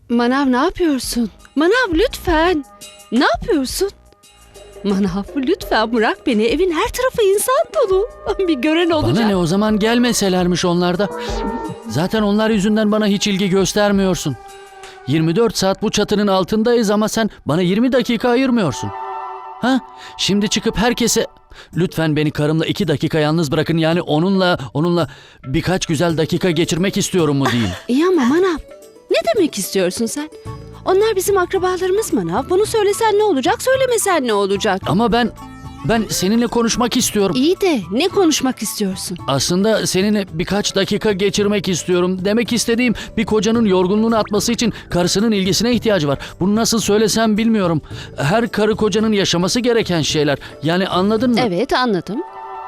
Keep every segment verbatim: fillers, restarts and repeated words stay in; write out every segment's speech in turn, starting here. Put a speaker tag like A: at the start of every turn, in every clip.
A: Manav ne yapıyorsun? Manav lütfen. Ne yapıyorsun? Manav lütfen bırak beni. Evin her tarafı insan dolu. Bir gören olacak.
B: Bana ne, o zaman gelmeselermiş onlar da. Zaten onlar yüzünden bana hiç ilgi göstermiyorsun. yirmi dört saat bu çatının altındayız ama sen bana yirmi dakika ayırmıyorsun. Ha? Şimdi çıkıp herkese lütfen beni karımla iki dakika yalnız bırakın, yani onunla onunla birkaç güzel dakika geçirmek istiyorum mu diyeyim.
A: İyi ama Manav, ne demek istiyorsun sen? Onlar bizim akrabalarımız Manav. Bunu söylesen ne olacak, söylemesen ne olacak?
B: Ama ben ben seninle konuşmak istiyorum.
A: İyi de ne konuşmak istiyorsun?
B: Aslında seninle birkaç dakika geçirmek istiyorum. Demek istediğim, bir kocanın yorgunluğunu atması için karısının ilgisine ihtiyacı var. Bunu nasıl söylesem bilmiyorum. Her karı kocanın yaşaması gereken şeyler. Yani anladın mı?
A: Evet, anladım.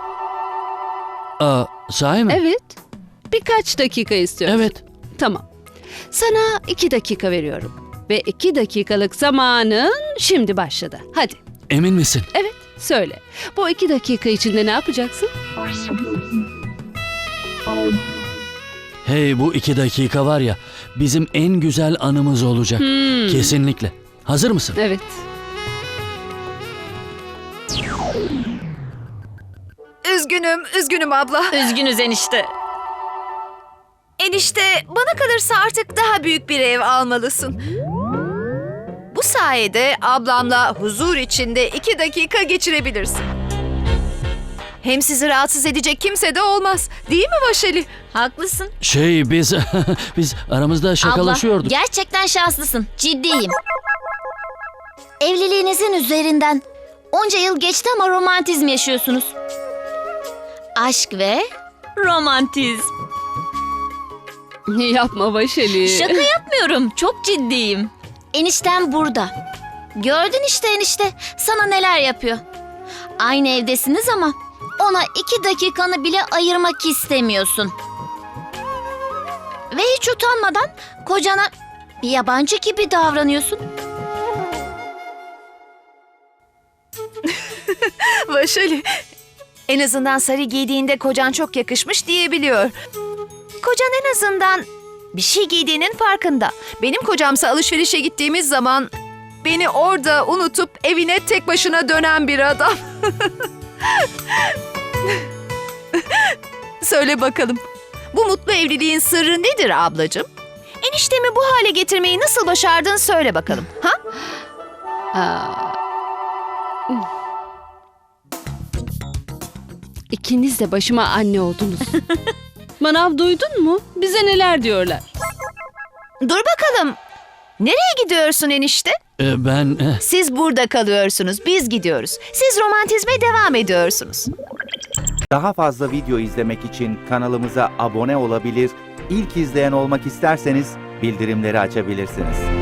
B: Aa, sahi mi?
A: Evet. Birkaç dakika istiyorsun.
B: Evet.
A: Tamam. Sana iki dakika veriyorum. Ve iki dakikalık zamanın şimdi başladı. Hadi.
B: Emin misin?
A: Evet, söyle. Bu iki dakika içinde ne yapacaksın?
B: Hey, bu iki dakika var ya, bizim en güzel anımız olacak.
A: Hmm.
B: Kesinlikle. Hazır mısın?
A: Evet.
C: Üzgünüm, üzgünüm abla.
D: Üzgünüz enişte.
C: Enişte, bana kalırsa artık daha büyük bir ev almalısın. Bu sayede ablamla huzur içinde iki dakika geçirebilirsin. Hem sizi rahatsız edecek kimse de olmaz. Değil mi Vaşeli?
D: Haklısın.
B: Şey, biz biz aramızda şakalaşıyorduk.
E: Abla, gerçekten şanslısın. Ciddiyim. Evliliğinizin üzerinden onca yıl geçti ama romantizm yaşıyorsunuz. Aşk ve
D: Romantizm.
A: Yapma Vaşeli.
E: şaka yapmıyorum. Çok ciddiyim. Eniştem burada. Gördün işte enişte. Sana neler yapıyor. Aynı evdesiniz ama ona iki dakikanı bile ayırmak istemiyorsun. Ve hiç utanmadan kocana bir yabancı gibi davranıyorsun.
C: Vaşeli, en azından sarı giydiğinde kocan çok yakışmış diyebiliyor. Kocan en azından bir şey giydiğinin farkında. Benim kocamsa alışverişe gittiğimiz zaman beni orada unutup evine tek başına dönen bir adam. Söyle bakalım, bu mutlu evliliğin sırrı nedir ablacığım? Eniştemi bu hale getirmeyi nasıl başardın söyle bakalım. Ha?
A: Aa. İkiniz de başıma anne oldunuz. Manav, duydun mu? Bize neler diyorlar.
C: Dur bakalım. Nereye gidiyorsun enişte?
B: Ee, ben eh,
C: Siz burada kalıyorsunuz, biz gidiyoruz. Siz romantizme devam ediyorsunuz.
F: Daha fazla video izlemek için kanalımıza abone olabilir, ilk izleyen olmak isterseniz bildirimleri açabilirsiniz.